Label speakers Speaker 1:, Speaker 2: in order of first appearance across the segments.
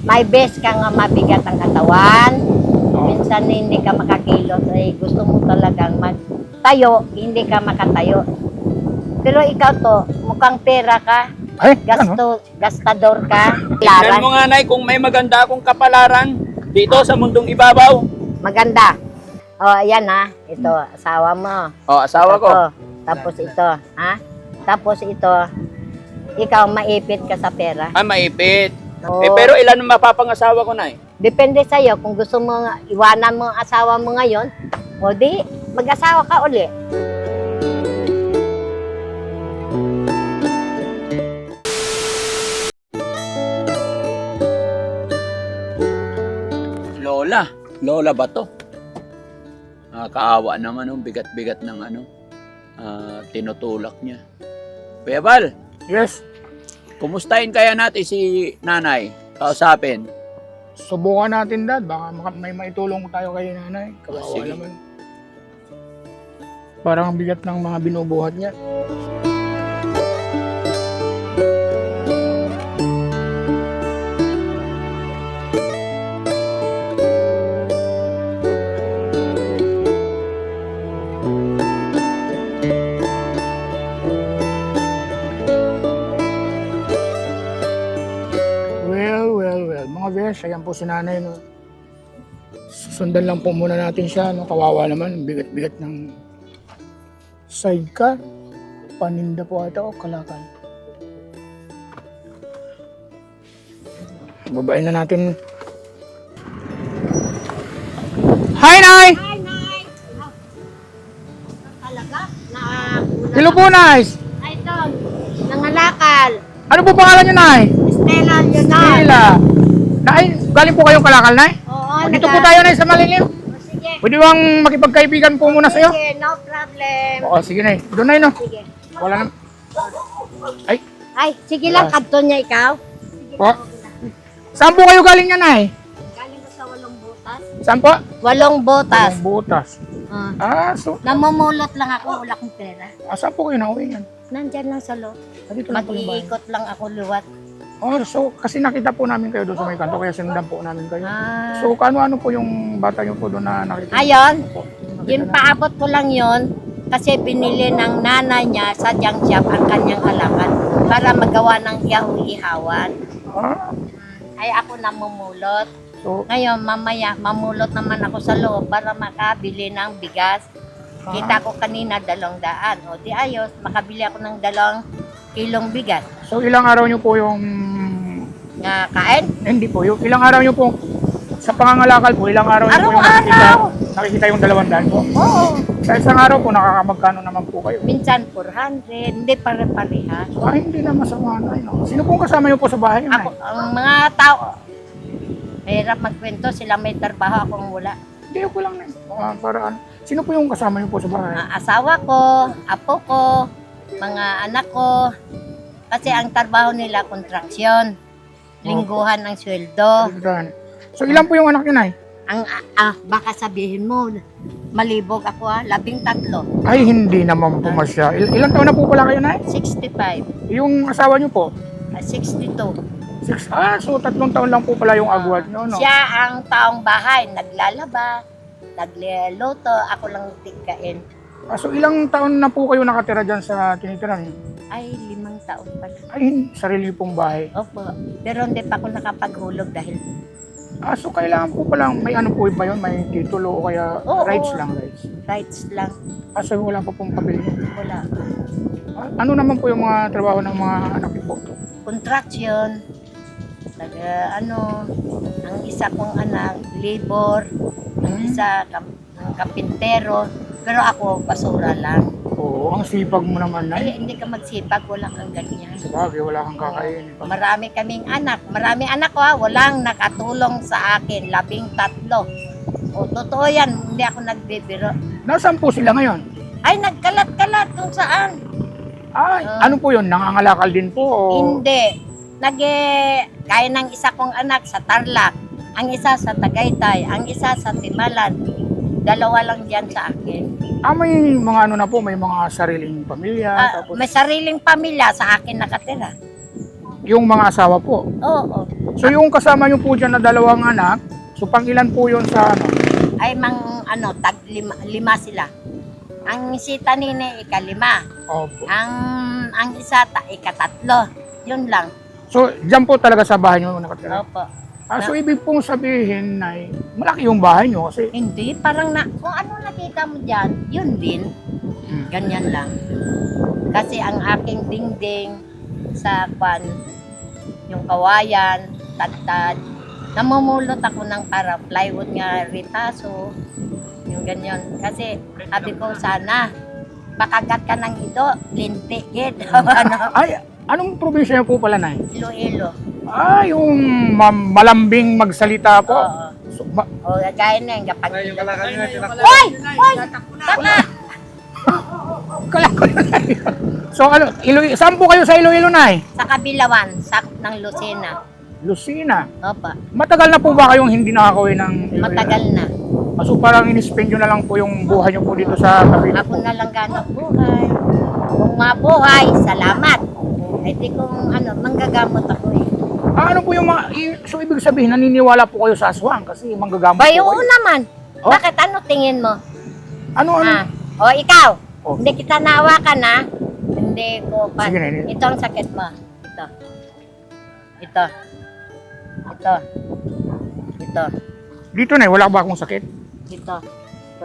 Speaker 1: may best ka nga mabigat ang katawan. Minsan hindi ka makakilot, ay gusto mo talagang magtayo, hindi ka makatayo. Pero ikaw to, mukhang pera ka,
Speaker 2: Ay, ano?
Speaker 1: gastador ka.
Speaker 3: Tignan mo nga, Nay, kung may maganda akong kapalaran dito sa mundong ibabaw.
Speaker 1: Maganda. O, ayan ha. Ito, asawa mo.
Speaker 3: O, asawa ko.
Speaker 1: Ito, tapos ito, ha? Tapos ito, ikaw maipit ka sa pera.
Speaker 3: Ah, maipit.
Speaker 1: Oo.
Speaker 3: Pero ilan ang mapapangasawa ko, Nay?
Speaker 1: Depende sa'yo kung gusto mo iwanan mo ang asawa mo ngayon, o di, mag-asawa ka uli.
Speaker 3: Lola ba to? Kaawa naman, bigat-bigat ng tinutulak niya. Kuya Bal,
Speaker 2: Yes.
Speaker 3: kumustahin kaya natin si nanay? Kausapin.
Speaker 2: Subukan natin, Dad. Baka may maitulong tayo kay nanay. Kawawa
Speaker 3: Sige.
Speaker 2: naman. Parang ang bigat ng mga binubuhat niya. Well. Mga besh, ayan po si nanay. No? Susundan lang po muna natin siya. No? Kawawa naman. Bigat-bigat ng sidecar. Paninda po ata o kalakal. Babain na natin. Hi, Nay!
Speaker 1: Hi, Nay! Talaga?
Speaker 2: Hello po, Nay!
Speaker 1: Ay, ito, nangalakal.
Speaker 2: Ano po pangalan niyo, Nay?
Speaker 1: Stella Leonard.
Speaker 2: Sheila. Nay, galing po kayong kalakal, Nay?
Speaker 1: Oo,
Speaker 2: Dito po tayo, Nay, sa Malilim.
Speaker 1: Sige.
Speaker 2: Pwede bang makipagkaibigan po muna sa'yo?
Speaker 1: Sige, no problem.
Speaker 2: Oo, sige, Nay. Doon, Nay, no?
Speaker 1: Sige.
Speaker 2: Wala na. Ay,
Speaker 1: Ay, sige lang, kadto niya ikaw.
Speaker 2: po. Saan po kayo galing niya, Nay?
Speaker 1: Galing ko sa Walong Butas.
Speaker 2: Saan po?
Speaker 1: Walong Butas.
Speaker 2: Ang butas. So,
Speaker 1: Namumulot lang ako, wala akong pera.
Speaker 2: saan po kayo nauwi yan?
Speaker 1: Nandyan lang sa loob.
Speaker 2: Dito lang po yung bahay.
Speaker 1: Mag-iikot lang ako luwat.
Speaker 2: Oh, so, kasi nakita po namin kayo doon sa may kanto, kaya sinundan po namin kayo.
Speaker 1: Ah.
Speaker 2: So, ano po yung bata niyo po doon na nakita?
Speaker 1: Ayun,
Speaker 2: Po, nakita
Speaker 1: yung
Speaker 2: na-
Speaker 1: paabot ko lang yon kasi binili ng nanay niya sa junk shop ang kanyang kalakal para magawa ng ihaw-ihawan.
Speaker 2: Ah,
Speaker 1: Ay ako namumulot.
Speaker 2: so,
Speaker 1: Ngayon, mamaya, mamulot naman ako sa loob para makabili ng bigas. Kita ko kanina 200. O di ayos, makabili ako ng 2 kilong bigas.
Speaker 2: so ilang araw niyo po yung...
Speaker 1: Nga kain?
Speaker 2: Hindi po, yung ilang araw niyo po sa pangangalakal po, ilang araw niyo po yung
Speaker 1: Araw-araw!
Speaker 2: nakikita yung 200 po.
Speaker 1: Oo.
Speaker 2: Sa isang araw po, nakakamagkano naman po kayo?
Speaker 1: Minsan 400, hindi pare-pareha.
Speaker 2: Hindi na masama na. No? Sino pong kasama niyo po sa bahay?
Speaker 1: Ako, ang mga tao, mahirap magkwento, sila may trabaho, akong wala.
Speaker 2: Hindi ko lang na. Paraan. Sino po yung kasama niyo po sa bahay?
Speaker 1: Asawa ko, apo ko, mga anak ko. Kasi ang trabaho nila, kontraksyon. Lingguhan ang sweldo.
Speaker 2: So ilan po yung anak niyo, Nay?
Speaker 1: Baka sabihin mo, malibog ako 13.
Speaker 2: Ay, hindi naman po masya. Ilang taon na po pala kayo, Nay?
Speaker 1: 65,
Speaker 2: Yung asawa niyo po?
Speaker 1: 62.
Speaker 2: So 3 taon lang po pala yung agwat niyo, no?
Speaker 1: Siya ang taong bahay, naglalaba, nagluluto, ako lang tigkain.
Speaker 2: So ilang taon na po kayo nakatira dyan sa tinitira niyo?
Speaker 1: Ay, 5 taon pa.
Speaker 2: Ay, sarili pong bahay.
Speaker 1: Opo, pero hindi pa ako nakapaghulog dahil
Speaker 2: So kailangan po palang, may ano po ba yun? May titulo o kaya
Speaker 1: Oo.
Speaker 2: rights lang, rights?
Speaker 1: rights lang.
Speaker 2: So wala pa pong papel niyo.
Speaker 1: Wala.
Speaker 2: Ano naman po yung mga trabaho ng mga anak niyo po?
Speaker 1: Contraction, ang isa kong anak, labor, ang isa kapintero, pero ako basura lang.
Speaker 2: Oo, ang sipag mo naman,
Speaker 1: Ay,
Speaker 2: Nay.
Speaker 1: hindi ka magsipag, wala kang ganyan.
Speaker 2: Sabagay, wala kang kakainin.
Speaker 1: Marami kaming anak, ko walang nakatulong sa akin, 13. O, totoo yan, hindi ako nagbibiro.
Speaker 2: Nasaan po sila ngayon?
Speaker 1: Ay, nagkalat-kalat kung saan.
Speaker 2: Ay, ano po yun? Nangangalakal din po? O...
Speaker 1: Hindi. Kaya ng isa kong anak sa Tarlac, ang isa sa Tagaytay, ang isa sa Timalan. 2 lang dyan sa akin.
Speaker 2: May mga ano na po, may mga sariling pamilya. Tapos
Speaker 1: May sariling pamilya sa akin nakatira.
Speaker 2: yung mga asawa po.
Speaker 1: Oo.
Speaker 2: So yung kasama nyo po dyan na dalawang anak, so pang ilan po yun sa ano?
Speaker 1: Ay tag lima sila. Ang si Tanine ikalima.
Speaker 2: Opo.
Speaker 1: Ang isa ikatatlo. Yun lang.
Speaker 2: So dyan po talaga sa bahay nyo nakatira?
Speaker 1: Opo.
Speaker 2: So ibig pong sabihin na malaki yung bahay nyo kasi
Speaker 1: Hindi, parang kung ano nakita mo dyan, yun din. Ganyan lang. Kasi ang aking dingding sa yung kawayan, tagtad, namumulot ako ng para plywood nga ritaso, yung ganyan. Kasi sabi ko sana, makagat ka ng ito, linti, gid. Ano?
Speaker 2: ay, anong probinsya nyo po pala na
Speaker 1: Iloilo.
Speaker 2: yung malambing magsalita po.
Speaker 1: Oo.
Speaker 2: So,
Speaker 1: O, gaya na yung kapag Hoy! Hoy! Tama!
Speaker 2: kala ko na yun. So ano, saan po kayo sa Iloilo na
Speaker 1: Sa Kabilawan, sakop ng Lucena.
Speaker 2: Lucena.
Speaker 1: Opa,
Speaker 2: Matagal na po ba kayong hindi nakakawin ng Iloilo?
Speaker 1: matagal na.
Speaker 2: So parang in-spend nyo na lang po yung buhay nyo po dito sa Cavite
Speaker 1: Ako
Speaker 2: po.
Speaker 1: na lang ganap buhay. Kung mabuhay, salamat. Ay di kung manggagamot ako eh.
Speaker 2: Ano po yung mga, so ibig sabihin, naniniwala po kayo sa aswang kasi manggagamot
Speaker 1: Bay,
Speaker 2: po
Speaker 1: oo
Speaker 2: kayo.
Speaker 1: naman.
Speaker 2: Oh?
Speaker 1: Bakit ano tingin mo?
Speaker 2: Ano?
Speaker 1: O ikaw,
Speaker 2: Oh.
Speaker 1: hindi kita naawakan na. Hindi ko pa.
Speaker 2: Sige na,
Speaker 1: Ito ang sakit mo. Ito. Ito. Ito. Ito.
Speaker 2: Dito na, wala ba akong sakit?
Speaker 1: Ito. Ito.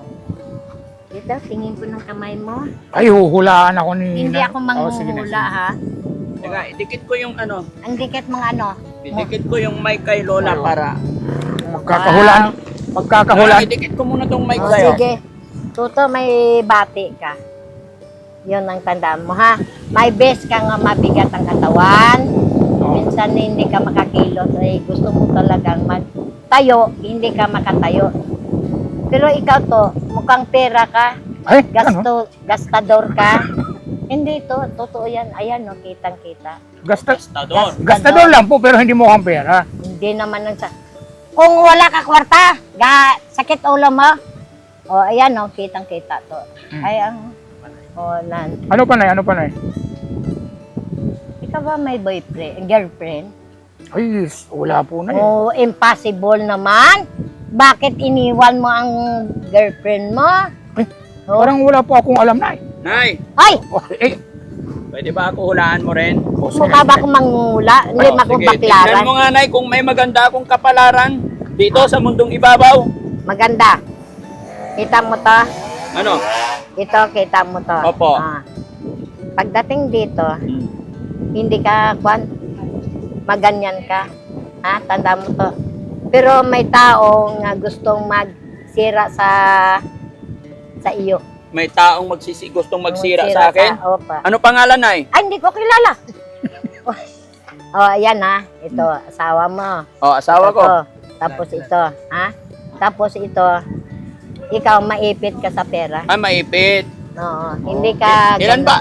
Speaker 1: Ito, tingin ko ng kamay mo.
Speaker 2: Ay, huhulaan ako ni...
Speaker 1: Hindi ako
Speaker 2: sige na,
Speaker 1: manghuhula ha.
Speaker 3: Teka, idikit ko yung ano.
Speaker 1: Ang dikit mga
Speaker 3: Idikit ko yung mic kay Lola para...
Speaker 2: Magkakahulaan. Magkakahulaan.
Speaker 3: Idikit ko muna tong mic
Speaker 1: O,
Speaker 3: sa'yo.
Speaker 1: sige. Tuto, may bati ka. Yun ang tandaan mo, ha? May best ka nga mabigat ang katawan. Minsan hindi ka makakilot. Ay, gusto mo talagang magtayo, hindi ka makatayo. Pero ikaw to, mukhang pera ka,
Speaker 2: Ay, ano?
Speaker 1: gastador ka. Hindi to, totoo yan. Ayan, no, kitang-kita.
Speaker 3: Gastador.
Speaker 2: Gastador lang po, pero hindi mo kang pera.
Speaker 1: Hindi naman ang kung wala ka kwarta, sakit ulo mo. O, ayan, no, kitang-kita to. Ay,
Speaker 2: Ano pa na? Ano pa na?
Speaker 1: ikaw ba may girlfriend?
Speaker 2: Ay, wala po na.
Speaker 1: Oh, impossible naman. Bakit iniwan mo ang girlfriend mo?
Speaker 2: Ay,
Speaker 1: Oh.
Speaker 2: parang wala po akong alam na.
Speaker 3: Nay,
Speaker 1: Ay,
Speaker 3: pwede ba ako hulaan mo rin?
Speaker 1: mukha ba akong mangula? Hindi
Speaker 3: Oh,
Speaker 1: akong
Speaker 3: sige, tignan
Speaker 1: baklaran.
Speaker 3: mo nga, Nay, kung may maganda akong kapalaran dito sa mundong ibabaw.
Speaker 1: Maganda. Kita mo to?
Speaker 3: Ano?
Speaker 1: Ito, kita mo to.
Speaker 3: Opo.
Speaker 1: Pagdating dito, hindi ka, maganyan ka. Ha? Tanda mo to. Pero may tao nga gustong magsira sa iyo.
Speaker 3: May taong gustong magsira sa akin?
Speaker 1: Opa.
Speaker 3: Ano pangalan, Nay?
Speaker 1: Ay, hindi ko kilala. Ayan ha. Ito, asawa mo.
Speaker 3: Oh, asawa ko.
Speaker 1: Ito. Tapos ito, ha? Tapos ito, ikaw maipit ka sa pera.
Speaker 3: Ah, maipit.
Speaker 1: Oo. Hindi ka...
Speaker 3: Ilan ba?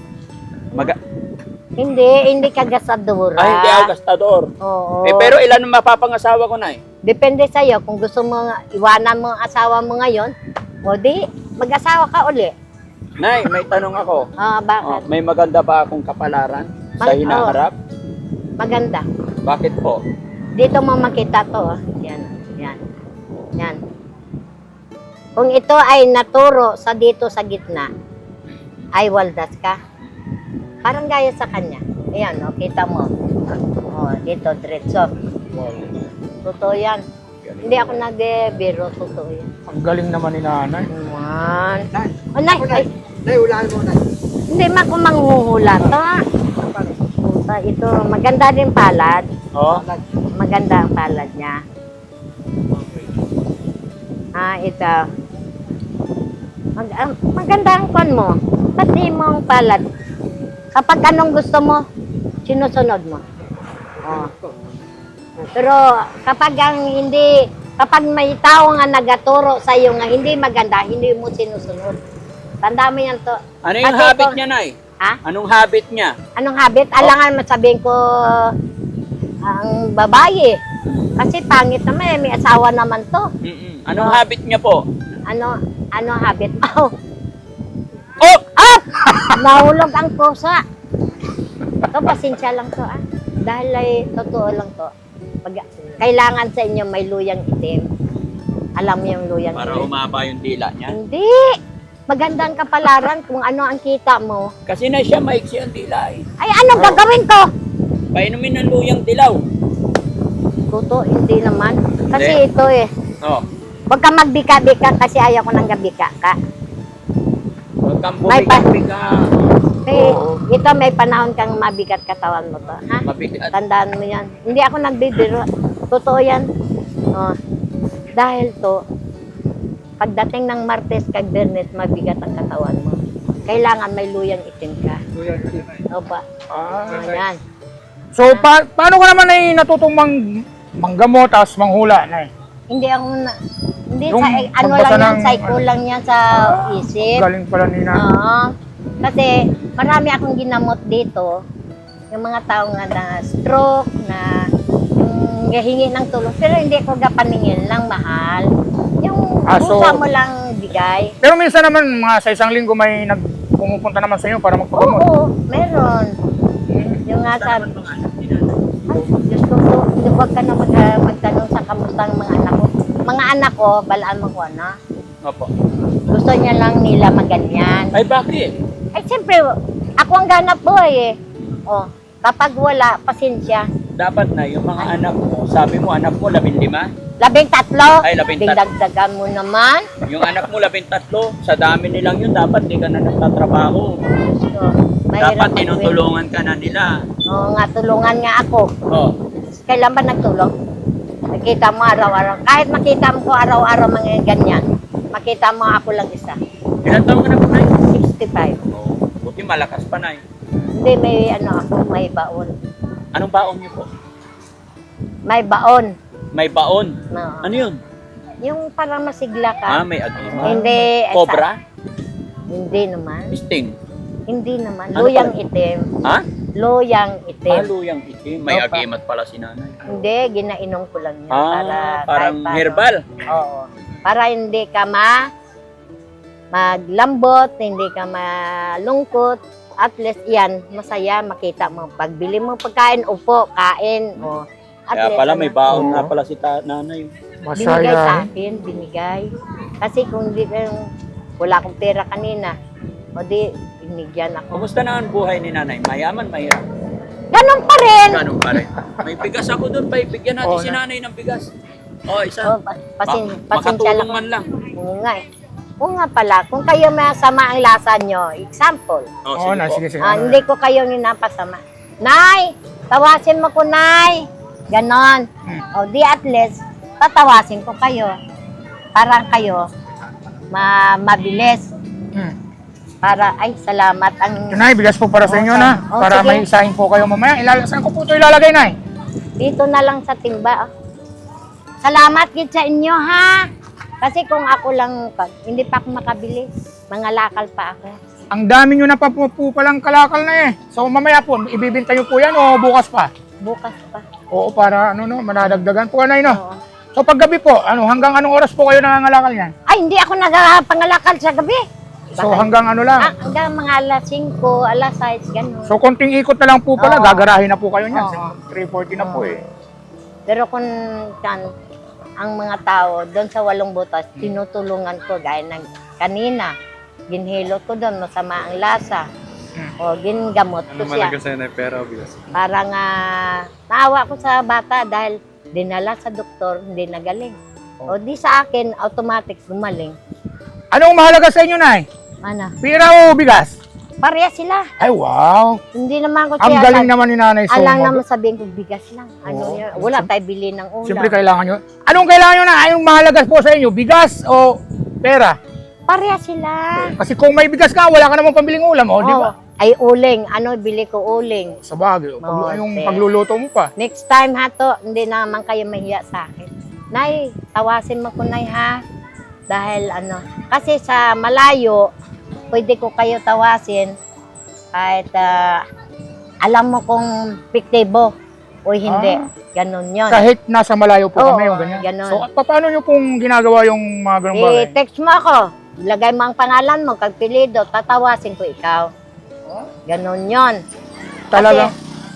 Speaker 1: Hindi ka gasadura.
Speaker 3: Ay, hindi ako gastador.
Speaker 1: Oo.
Speaker 3: Pero ilan ang mapapangasawa ko, Nay?
Speaker 1: Depende sa'yo. Kung gusto mo iwanan mo ang asawa mo ngayon, o di, mag-asawa ka uli.
Speaker 3: Nay, may tanong ako.
Speaker 1: Bakit?
Speaker 3: May maganda ba akong kapalaran sa hinaharap?
Speaker 1: Maganda.
Speaker 3: Bakit po?
Speaker 1: Dito mo makita to. Yan. Yan. Yan. Kung ito ay naturo sa dito sa gitna, ay waldas ka. Parang gaya sa kanya. Ayan, kita mo. Dito, diretso. Totoo yan. Hindi ako nag-biro, totoo yan.
Speaker 2: Ang galing naman ni nanay.
Speaker 1: Naman. Nay, hulaan mo, Nay. Hindi man ako manghuhula to. Ito, maganda din palad.
Speaker 3: Oh?
Speaker 1: Maganda ang palad niya. Ito. Maganda ang kwan mo. Pati mo ang palad. Kapag anong gusto mo, sinusunod mo. Pero kapag kapag may tao nga nagaturo sa iyo nga hindi maganda, hindi mo sinusunod. Tanda mo yan to.
Speaker 3: Ano yung
Speaker 1: Kasi
Speaker 3: habit niya, Nay?
Speaker 1: Ha?
Speaker 3: Anong habit niya?
Speaker 1: Anong habit? Alangan masabihin ko ang babae. Kasi pangit naman, may asawa naman to.
Speaker 3: Anong habit niya po?
Speaker 1: Ano habit?
Speaker 3: Oh!
Speaker 1: Nahulog ang pusa. Ito, pasensya lang to Dahil ay totoo lang to. Pag kailangan sa inyo may luyang itim. Alam mo yung luyang
Speaker 3: Para
Speaker 1: itim?
Speaker 3: umaba yung dila niya.
Speaker 1: Hindi! Maganda ang kapalaran kung ano ang kita mo.
Speaker 3: Kasi na siya maiksi ang dila eh.
Speaker 1: Ay, anong gagawin ko?
Speaker 3: Painumin ng luyang dilaw.
Speaker 1: Tuto, hindi naman. Kasi
Speaker 3: Hindi.
Speaker 1: ito eh.
Speaker 3: Oh.
Speaker 1: Huwag ka magbika-bika kasi ayaw ko nang gabika ka.
Speaker 3: Huwag kang
Speaker 1: May pa-
Speaker 3: bumika-bika.
Speaker 1: Eh, ito may panahon kang mabigat katawan mo to. Ha?
Speaker 3: Mabigat.
Speaker 1: Tandaan mo yan. Hindi ako nagbibiro. Totoo yan. Oh. Dahil to, pagdating ng Martes kag Bernes, mabigat ang katawan mo. Kailangan may luyang itim ka. Opa. Yan.
Speaker 2: So, paano ka naman ay natutong manggamot tapos manghula na
Speaker 1: Hindi ako na, hindi
Speaker 2: Yung
Speaker 1: sa, ano
Speaker 2: pagbasa
Speaker 1: lang yan,
Speaker 2: ng-
Speaker 1: psycho lang yan sa isip.
Speaker 2: Galing pala ni na.
Speaker 1: Oo. Kasi marami akong ginamot dito. Yung mga tao nga na stroke, na yung hingi ng tulong. Pero hindi ko gapaningin lang mahal. Yung
Speaker 2: So,
Speaker 1: busa mo lang bigay.
Speaker 2: Pero minsan naman, mga sa isang linggo may pumupunta naman sa inyo para magpagamot.
Speaker 1: Oo, meron. Yung nga sabi, ay, Diyos ko po, huwag ka na magtanong sa kamusta ng mga anak ko. Mga anak ko, balaan mo ko, ano?
Speaker 3: Opo.
Speaker 1: Gusto niya lang nila maganyan.
Speaker 3: Ay, bakit?
Speaker 1: Ay, siyempre, ako ang ganap boy eh. Oh, kapag wala, pasensya.
Speaker 3: Dapat na yung mga anak mo, sabi mo anak mo 15,
Speaker 1: 13.
Speaker 3: Ay, 13.
Speaker 1: Dagdagan mo naman.
Speaker 3: yung anak mo 13, sa dami nilang yun, dapat di ka na nagtatrabaho.
Speaker 1: So,
Speaker 3: Dapat tinutulungan ka na nila.
Speaker 1: Oo nga, tulungan nga ako.
Speaker 3: Oh.
Speaker 1: Kailan ba nagtulong? Nakita mo araw-araw. Kahit makita mo ko araw-araw mga ganyan, makita mo ako lang isa.
Speaker 3: Ilan taon ka na po, Nay?
Speaker 1: 65.
Speaker 3: Oh, buti malakas pa, Nay.
Speaker 1: Hindi, may ano ako, may baon.
Speaker 3: Anong baon niyo po?
Speaker 1: May baon.
Speaker 3: May baon.
Speaker 1: No.
Speaker 3: Ano yun?
Speaker 1: Yung parang masigla ka.
Speaker 3: May agima.
Speaker 1: Hindi.
Speaker 3: Cobra?
Speaker 1: Hindi naman.
Speaker 3: Sting?
Speaker 1: Hindi naman.
Speaker 3: Ano
Speaker 1: Luyang
Speaker 3: pala?
Speaker 1: itim.
Speaker 3: Ha?
Speaker 1: Loyang itim.
Speaker 3: Luyang itim. May
Speaker 1: Opa.
Speaker 3: agimat pala si nanay.
Speaker 1: Hindi, ginainom ko lang yun. Para
Speaker 3: Parang
Speaker 1: kahit paano.
Speaker 3: herbal.
Speaker 1: Oo. Para hindi ka maglambot, hindi ka malungkot. At least yan, masaya, makita mo. Pagbili mo pagkain, upo, kain. O, at
Speaker 3: Kaya
Speaker 1: least,
Speaker 3: pala may baon
Speaker 2: Oo.
Speaker 3: nga pala si nanay.
Speaker 1: binigay sa
Speaker 2: Masaya.
Speaker 1: akin, binigay. Kasi kung di, wala akong pera kanina, o di, binigyan ako.
Speaker 3: Kumusta na ang buhay ni nanay? Mayaman, mahirap.
Speaker 1: Ganon pa rin!
Speaker 3: Ganun pa rin. May bigas ako doon. Paibigyan natin
Speaker 2: Oo
Speaker 3: si
Speaker 2: na.
Speaker 3: nanay ng bigas. Oh, isa.
Speaker 1: O, pasensya
Speaker 3: Makatulong
Speaker 1: lang.
Speaker 3: man lang.
Speaker 1: Oo nga eh. Oo nga pala, kung kayo masama ang lasa nyo, example,
Speaker 3: Oh,
Speaker 2: Oo na,
Speaker 3: sige po.
Speaker 2: sige.
Speaker 1: hindi ko kayo ninapasama. Nay, tawasin mo ko, Nay. Ganon. O di at least, tatawasin ko kayo. Parang kayo, mabilis.
Speaker 2: Hmm.
Speaker 1: Para, ay, salamat. Ang
Speaker 2: Nay, bigas po para sa inyo na.
Speaker 1: Oh,
Speaker 2: Para
Speaker 1: sige.
Speaker 2: may isahin po kayo mamaya. Saan ko po ito ilalagay, Nay?
Speaker 1: dito na lang sa timba. Salamat gid sa inyo, ha? Kasi kung ako lang, hindi pa ako makabili. Mga lakal pa ako.
Speaker 2: Ang dami nyo na pa po palang kalakal na eh. So mamaya po, ibibinta nyo po yan o bukas pa?
Speaker 1: Bukas pa.
Speaker 2: Oo, para manadagdagan po, Nay, no?
Speaker 1: Oo.
Speaker 2: So paggabi po, hanggang anong oras po kayo nangangalakal niyan?
Speaker 1: Ay, hindi ako nagpangalakal sa gabi.
Speaker 2: So hanggang ano lang?
Speaker 1: Hanggang mga alas 5, alas 6, gano'n.
Speaker 2: So konting ikot na lang po pala,
Speaker 1: Oo.
Speaker 2: gagarahin na po kayo niyan.
Speaker 1: Oo.
Speaker 2: 3:40 na po eh.
Speaker 1: Pero kung ang mga tao doon sa Walong Butas, tinutulungan ko gaya ng kanina. Ginhilot ko doon, masama ang lasa. O gingamot ko siya.
Speaker 4: sa'yo na pera o bigas?
Speaker 1: Parang naawa ko sa bata dahil dinala sa doktor, hindi nagaling. O di sa akin, automatic gumaling.
Speaker 2: Anong mahalaga sa inyo, Nay?
Speaker 1: Ano?
Speaker 2: Pira o bigas?
Speaker 1: Pareha sila.
Speaker 2: Ay, wow!
Speaker 1: Hindi naman ko
Speaker 2: Ang galing naman ni Nanay
Speaker 1: Alang
Speaker 2: Somo.
Speaker 1: naman sabihin ko, bigas lang. Ano
Speaker 2: Oo.
Speaker 1: yan? Wala tayo bili ng ulam.
Speaker 2: Siyempre kailangan nyo. Anong kailangan nyo na? Anong mahalaga po sa inyo? Bigas o pera?
Speaker 1: Pareha sila.
Speaker 2: Kasi kung may bigas ka, wala ka namang pambiling ulam, o, di ba?
Speaker 1: Ay, uling. Ano, bili ko uling.
Speaker 2: Sa bagay,
Speaker 1: Oo,
Speaker 2: yung
Speaker 1: te.
Speaker 2: pagluluto mo pa.
Speaker 1: Next time ha to, hindi naman kayo mahiya sa akin. Nay, tawasin mo ko, Nay, ha? Dahil kasi sa malayo, pwede ko kayo tawasin kahit alam mo kung piktibo o hindi. Ganon yun.
Speaker 2: Kahit nasa malayo po
Speaker 1: Oo,
Speaker 2: kami, yung ganyan.
Speaker 1: ganun.
Speaker 2: So, paano nyo pong ginagawa yung mga ganong bagay?
Speaker 1: I-text mo ako. Lagay mo ang pangalan mo, kagpilido, tatawasin ko ikaw. Ganon yun.
Speaker 2: Talagang,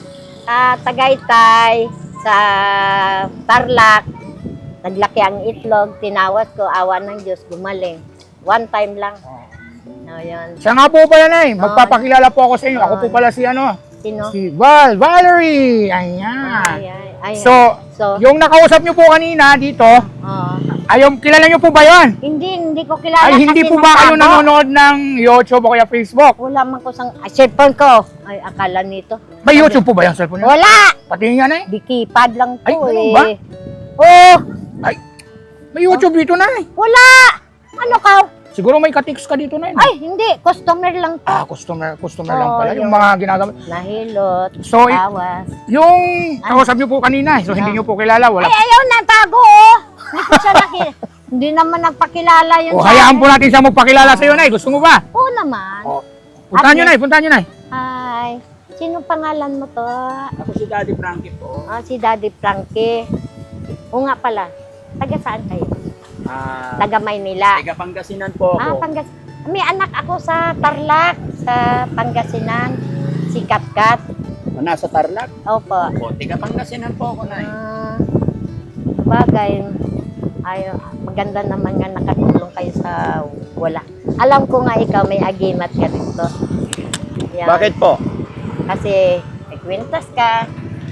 Speaker 1: Sa Tagaytay, sa Tarlac, naglaki ang itlog, tinawas ko, awa ng Diyos, gumaling. One time lang. No, yun.
Speaker 2: Siya nga po pala, Nay. Magpapakilala po ako sa inyo. Ako po pala si
Speaker 1: Sino?
Speaker 2: si Valerie. Ayan.
Speaker 1: Ay.
Speaker 2: So, yung nakausap niyo po kanina dito, kilala niyo po ba yun?
Speaker 1: Hindi ko kilala.
Speaker 2: Ay, hindi
Speaker 1: kasi
Speaker 2: po ba kayo
Speaker 1: nagtago.
Speaker 2: nanonood ng YouTube o kaya Facebook?
Speaker 1: Wala man ko sang cellphone ko. Ay, akala nito.
Speaker 2: May YouTube po ba yung cellphone niyo?
Speaker 1: Wala!
Speaker 2: Patingin nga, Nay.
Speaker 1: Di keypad lang to
Speaker 2: Ay, ganun
Speaker 1: eh.
Speaker 2: ba?
Speaker 1: Oh!
Speaker 2: Ay, may YouTube dito, Nay.
Speaker 1: Wala! Ano ka?
Speaker 2: Siguro may katix ka dito, Nay.
Speaker 1: Ay, hindi. Customer lang to.
Speaker 2: Customer lang pala. Yung
Speaker 1: yung-
Speaker 2: mga ginagawa.
Speaker 1: Nahilot.
Speaker 2: So,
Speaker 1: Tawas.
Speaker 2: yung nakausap niyo po kanina, so hindi niyo po kilala, wala.
Speaker 1: Ay, ayaw na, tago oh! Hindi ko siya hindi naman nagpakilala yun
Speaker 2: O,
Speaker 1: sa
Speaker 2: hayaan
Speaker 1: akin.
Speaker 2: po natin siya magpakilala sa iyo, Nay. Gusto mo ba?
Speaker 1: Oo naman.
Speaker 2: Puntahan niyo, Nay. Puntahan niyo, Nay.
Speaker 1: Hi. Sino pangalan mo to?
Speaker 3: Ako si Daddy Frankie po.
Speaker 1: Si Daddy Frankie. Oo nga pala. Taga saan kayo? Taga Maynila.
Speaker 3: Taga Pangasinan po ako.
Speaker 1: May anak ako sa Tarlac, sa Pangasinan. Si Katkat.
Speaker 3: Nasa Tarlac.
Speaker 1: Opo.
Speaker 3: O, taga Pangasinan po ako, Nay.
Speaker 1: Bagay. Ay, maganda naman nga nakatulong kayo sa wala. Alam ko nga ikaw may agimat ka dito. Yan.
Speaker 3: Bakit po?
Speaker 1: Kasi may kwintas ka.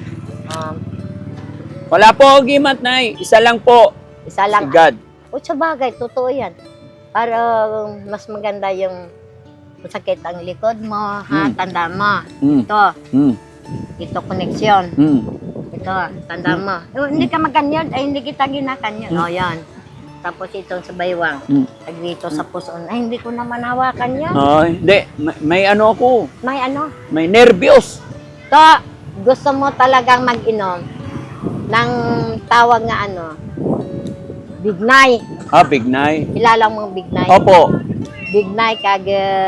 Speaker 3: Wala po agimat, Nay. Isa lang po.
Speaker 1: Isa
Speaker 3: Si
Speaker 1: lang.
Speaker 3: God.
Speaker 1: O sa bagay, totoo yan. Para mas maganda yung masakit ang likod mo, ha? Tanda mo.
Speaker 3: Mm.
Speaker 1: Ito.
Speaker 3: Mm.
Speaker 1: Ito, connection.
Speaker 3: Mm.
Speaker 1: Ito, tanda mo. Hindi ka maganyan, ay hindi kita ginakanyan. O, yan. Tapos itong sa baywang. Tag dito sa puson. Ay, hindi ko naman hawakan yan.
Speaker 3: Ay, hindi. May ano ako.
Speaker 1: May ano?
Speaker 3: May nervyos.
Speaker 1: To, gusto mo talagang mag-inom ng tawag nga ano, Bignay.
Speaker 3: Bignay.
Speaker 1: Kilala mo ang Bignay?
Speaker 3: Opo.
Speaker 1: Bignay kag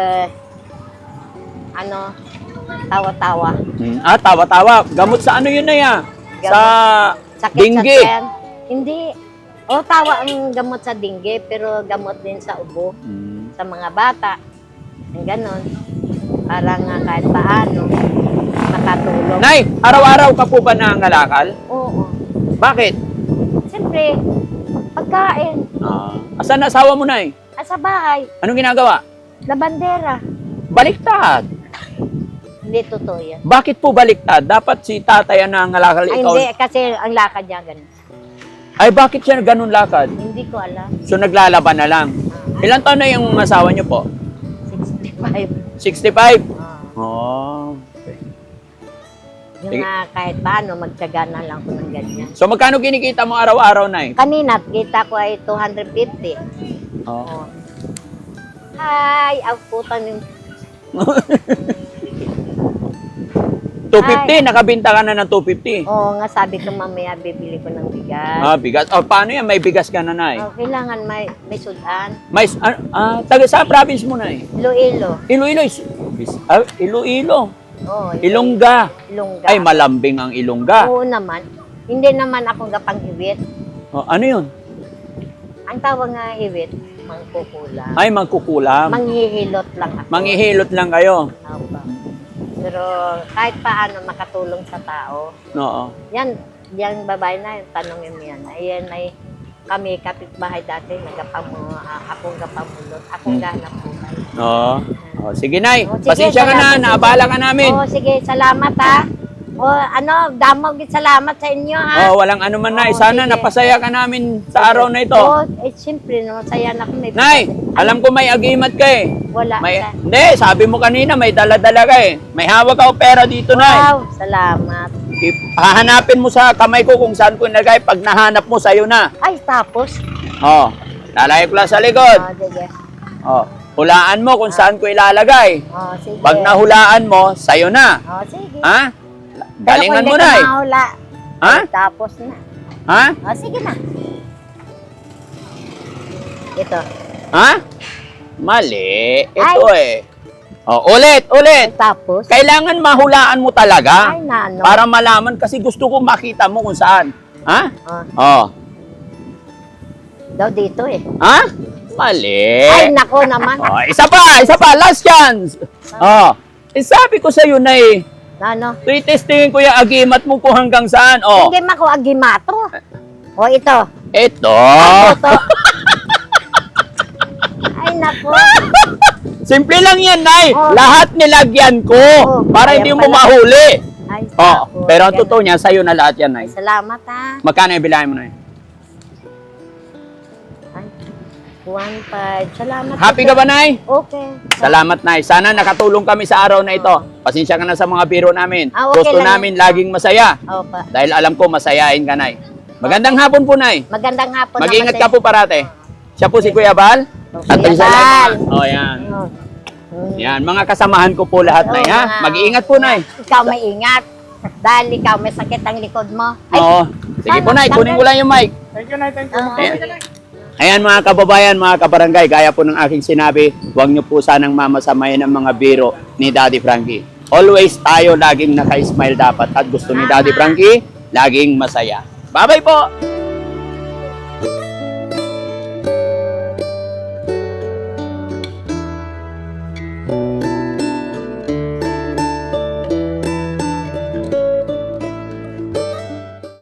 Speaker 1: tawa-tawa.
Speaker 3: Tawa-tawa. Gamot sa ano yun na ya? Sa
Speaker 1: Sakit
Speaker 3: dinggi.
Speaker 1: sa tiyan. Hindi. Tawa ang gamot sa dinggi, pero gamot din sa ubo. Sa mga bata. Ang ganon. Para nga kahit paano, makatulong.
Speaker 3: Nay, araw-araw ka po ba nangangalakal?
Speaker 1: Oo.
Speaker 3: Bakit?
Speaker 1: Siyempre, pagkain.
Speaker 3: Asan na asawa mo, Nay?
Speaker 1: Sa bahay,
Speaker 3: Anong ginagawa?
Speaker 1: labandera.
Speaker 3: Baliktad.
Speaker 1: Hindi totoo yan.
Speaker 3: Bakit po baliktad? Dapat si tatay ang nangangalakal,
Speaker 1: Ay,
Speaker 3: ikaw.
Speaker 1: hindi, kasi ang lakad niya ganun.
Speaker 3: Ay, bakit siya ganun lakad?
Speaker 1: Hindi ko alam.
Speaker 3: So, naglalaban na lang. Ilan taon na yung asawa niyo po?
Speaker 1: 65.
Speaker 3: 65?
Speaker 1: Ah.
Speaker 3: Oh.
Speaker 1: Yung
Speaker 3: Sige.
Speaker 1: kahit paano, magtyaga na lang ko ng ganyan.
Speaker 3: So, magkano kinikita mo araw-araw, Nay?
Speaker 1: Kanina, kita ko ay 250.
Speaker 3: Oh.
Speaker 1: Ay, ang puta ng...
Speaker 3: 250, nakabinta ka na ng 250.
Speaker 1: Oo nga, sabi ko mamaya bibili ko ng bigas.
Speaker 3: Bigas. Paano yan? May bigas ka na, Nay.
Speaker 1: Kailangan may sudan.
Speaker 3: May, taga sa province mo, Nay?
Speaker 1: Iloilo.
Speaker 3: Iloilo. Iloilo.
Speaker 1: Oo,
Speaker 3: Ilongga.
Speaker 1: Ilongga.
Speaker 3: Ay, malambing ang Ilongga.
Speaker 1: Oo naman. Hindi naman ako gapang-hiwit.
Speaker 3: Ano yun?
Speaker 1: Ang tawag nga hiwit, mangkukulam.
Speaker 3: Ay, magkukulam.
Speaker 1: Manghihilot lang ako.
Speaker 3: Manghihilot lang kayo.
Speaker 1: Opo. Pero kahit paano makatulong sa tao.
Speaker 3: Oo.
Speaker 1: Yan babae na yun, tanongin mo yan. Ayan ay kami kapitbahay dati, akong gapamulot, akong ganap buhay.
Speaker 3: Oo. Sige, Nay.
Speaker 1: Sige,
Speaker 3: Pasensya ka na.
Speaker 1: salamat.
Speaker 3: Naabala ka namin.
Speaker 1: Sige, salamat ha. Damog salamat sa inyo ha.
Speaker 3: Walang ano man, Nay.
Speaker 1: Oo,
Speaker 3: Sana
Speaker 1: sige.
Speaker 3: napasaya ka namin sa araw na ito.
Speaker 1: Siyempre, no, saya na ako.
Speaker 3: Nay, alam ko may agimat ka eh.
Speaker 1: Wala.
Speaker 3: Hindi, sabi mo kanina may dala-dala ka eh. May hawak ka o pera dito, Nay.
Speaker 1: Wow, salamat.
Speaker 3: Hahanapin mo sa kamay ko kung saan ko nilagay. Pag nahanap mo, sa'yo na.
Speaker 1: Ay, tapos.
Speaker 3: Lalagay ko lang sa likod.
Speaker 1: Sige.
Speaker 3: Hulaan mo kung saan ko ilalagay.
Speaker 1: Sige.
Speaker 3: Pag nahulaan mo, sa'yo na.
Speaker 1: Sige.
Speaker 3: Ha?
Speaker 1: Pero
Speaker 3: Galingan
Speaker 1: kung
Speaker 3: mo,
Speaker 1: hindi
Speaker 3: Nay.
Speaker 1: ka mahula,
Speaker 3: Ha?
Speaker 1: tapos na.
Speaker 3: Ha?
Speaker 1: Sige na. Ito.
Speaker 3: Ha? Mali. Ito eh. Ulit.
Speaker 1: Tapos.
Speaker 3: Kailangan mahulaan mo talaga.
Speaker 1: Ay, nano.
Speaker 3: Para malaman kasi gusto ko makita mo kung saan. Ha?
Speaker 1: Daw dito eh.
Speaker 3: Ha? Mali.
Speaker 1: Ay, nako naman.
Speaker 3: Isa pa, last chance. Sabi ko sa iyo na
Speaker 1: Ano?
Speaker 3: Retestingin ko yung agimat mo kung hanggang saan. Oh.
Speaker 1: Hindi man ko agimato. O ito.
Speaker 3: Ito.
Speaker 1: Ito. Ay, nako.
Speaker 3: Simple lang yan, Nay.
Speaker 1: Oh.
Speaker 3: Lahat nilagyan ko
Speaker 1: Oh,
Speaker 3: para
Speaker 1: kaya
Speaker 3: hindi mo
Speaker 1: pala.
Speaker 3: mahuli.
Speaker 1: Ay,
Speaker 3: Oh,
Speaker 1: nako.
Speaker 3: pero ang
Speaker 1: Ganun.
Speaker 3: totoo niya, sa'yo na lahat yan, Nay.
Speaker 1: Salamat, ha.
Speaker 3: Magkano yung bilahin mo, Nay?
Speaker 1: Ay, 1.5. Salamat.
Speaker 3: Happy ka ba, Nay?
Speaker 1: Okay.
Speaker 3: Salamat, Nay. Sana nakatulong kami sa araw na ito. Pasensya ka na sa mga biro namin.
Speaker 1: Ah, okay
Speaker 3: Gusto
Speaker 1: lang.
Speaker 3: namin laging masaya.
Speaker 1: Opa.
Speaker 3: Dahil alam ko, masayain ka, Nay. Magandang hapon po, Nay.
Speaker 1: Magandang hapon.
Speaker 3: Mag-ingat
Speaker 1: naman
Speaker 3: ka po parate. Siya po si Kuya Bal.
Speaker 1: Oh,
Speaker 3: At
Speaker 1: Kuya
Speaker 3: isa lang.
Speaker 1: Bal.
Speaker 3: Oh, yan.
Speaker 1: Oh.
Speaker 3: Yan, mga kasamahan ko po lahat, Nay, ha?
Speaker 1: Oo, mga-
Speaker 3: Mag-iingat po, Nay.
Speaker 1: Ikaw may ingat. Dahil ikaw may sakit ang likod mo. Ay,
Speaker 3: Oo. Sige po, Nay. Kunin ko lang yung mic.
Speaker 2: Thank you, Nay. Thank you.
Speaker 1: Ah.
Speaker 2: Ayan.
Speaker 3: Ayan mga kababayan, mga kabarangay, gaya po ng aking sinabi, huwag niyo po sanang mamasamayan ang mga biro ni Daddy Frankie. Always tayo laging naka-smile dapat at gusto ni Daddy Frankie, laging masaya. Bye-bye po!